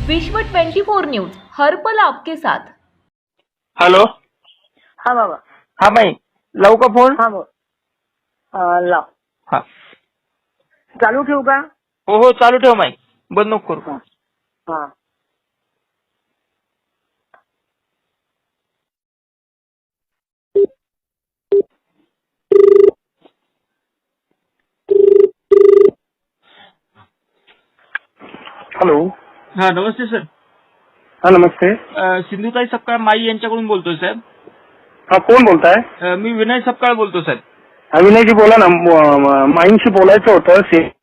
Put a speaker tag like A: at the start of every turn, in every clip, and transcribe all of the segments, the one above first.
A: विश्व 24 न्यूज हर पल आपके साथ।
B: हॅलो.
C: हा बाबा.
B: हा बाई, लावू का फोन?
C: हा बोल. लाव.
B: हा.
C: चालू ठेवू का?
B: हो हो, चालू ठेव माई, बंद नको करू.
C: हा.
D: हॅलो.
B: हा, नमस्ते सर.
D: हा, नमस्ते.
B: सिंधुताई सपकाळ माई यांच्याकडून बोलतोय साहेब.
D: हा, कोण बोलताय?
B: मी विनय सपकाळ बोलतो साहेब.
D: हा, विनयजी बोला ना. माईंशी बोलायचं होतं.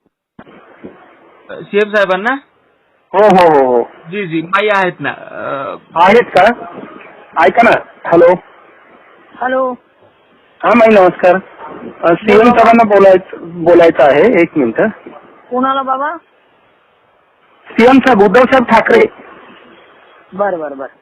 B: सीएम साहेबांना.
D: हो हो हो हो.
B: जी जी, माई आहेत ना.
D: आहेत का? ऐका ना. हॅलो.
C: हॅलो.
D: हा माई, नमस्कार. सीएम साहेबांना बोलायचं आहे. एक मिनिट.
C: कोणाला बाबा?
D: सीएम साहेब, उद्धव साहेब ठाकरे.
C: बर बर बर.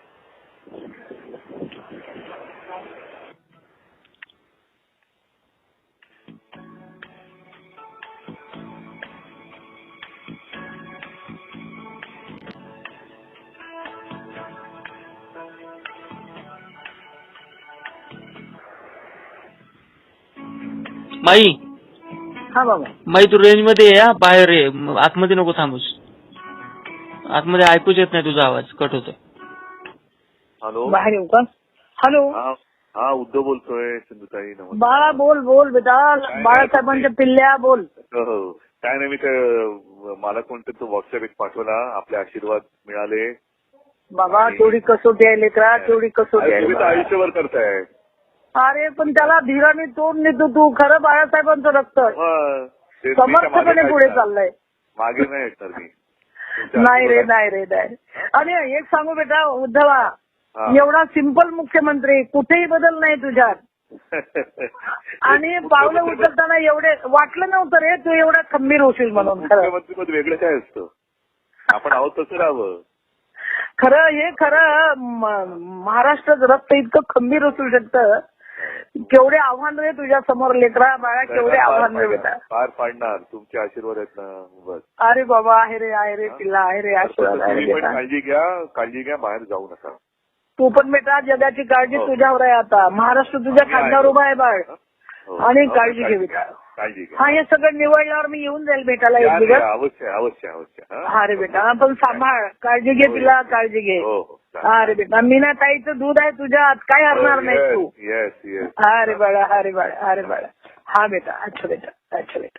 B: माई.
C: हा बाबा.
B: माई, तू रेंज मध्ये ये. बाहेर ये, आतमध्ये नको थांबूस. आतमध्ये ऐकूच येत नाही, तुझा आवाज कट होतो.
E: हॅलो.
C: बाहेर येऊ का? हॅलो.
E: हा, उद्धव बोलतोय. सिंधुताई, नमस्कार.
C: बाळा बोल बोल बेटा. बाळासाहेबांच्या पिल्ल्या बोल.
E: हो, काय नाही, मी मला कोणतरी तो व्हॉट्सअप एक पाठवला. आपले आशीर्वाद मिळाले.
C: बाबा तेवढी कसोटी आहे लेकरा, तेवढी कसोटी
E: तुम्ही तर
C: आहे.
E: आयुष्यभर करताय.
C: अरे पण त्याला धीराने तोंड नेतो तू. खरं बाळासाहेबांचं रक्त समर्थपणे पुढे चाललंय.
E: मागे नाही येणार मी.
C: नाही रे, नाही रे, नाही. आणि एक सांगू बेटा उद्धवा, एवढा सिंपल मुख्यमंत्री, कुठेही बदल नाही तुझ्यात. आणि पावलं उचलताना एवढे वाटलं नव्हतं रे तू एवढा खंबीर होशील म्हणून. खरं
E: मुख्यमंत्री पद वेगळं काय असतं. आपण आहोत तसं राहावं.
C: खरं हे खरं महाराष्ट्राचं रक्त इतकं खंबीर असू शकतं. केवढे आव्हान रे तुझ्या समोर लेकरा बाळा, केवढे आव्हान रे बेटा.
E: पार पाडणार. तुमचे आशीर्वाद आहेत ना. बस.
C: अरे बाबा, आहे रे पिल्ला, आहे रे आशीर्वाद आहे रे बेटा.
E: काळजी घ्या, बाहेर जाऊ नका.
C: तू पण बेटा, जगाची काळजी तुझ्यावर आहे आता. महाराष्ट्र तुझ्या खांद्यावर उभा आहे बाळ. आणि काळजी घे बेटा.
E: काळजी घ्या.
C: हा, हे सगळं निवडल्यावर मी येऊन जाईल भेटायला एक दिवस.
E: अवश्य अवश्य अवश्य.
C: हा रे बेटा, पण सांभाळ, काळजी घे तिला, काळजी घे. हा रे बेटा, मीना ताईचं दूध आहे तुझ्यात, काय हरणार नाही तू.
E: Yes yes.
C: हा रे बाळा, हा रे बाळा, हा रे बाळा. हा बेटा, अच्छा बेटा, अच्छा बेटा.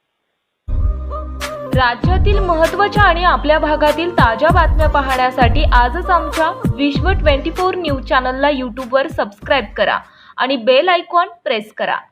A: राज्यातील महत्त्वाच्या आणि आपल्या भागातील ताज्या बातम्या पाहण्यासाठी आजच आमच्या विश्व 24 न्यूज चॅनलला यूट्यूबवर सबस्क्राईब करा आणि बेल आयकॉन प्रेस करा.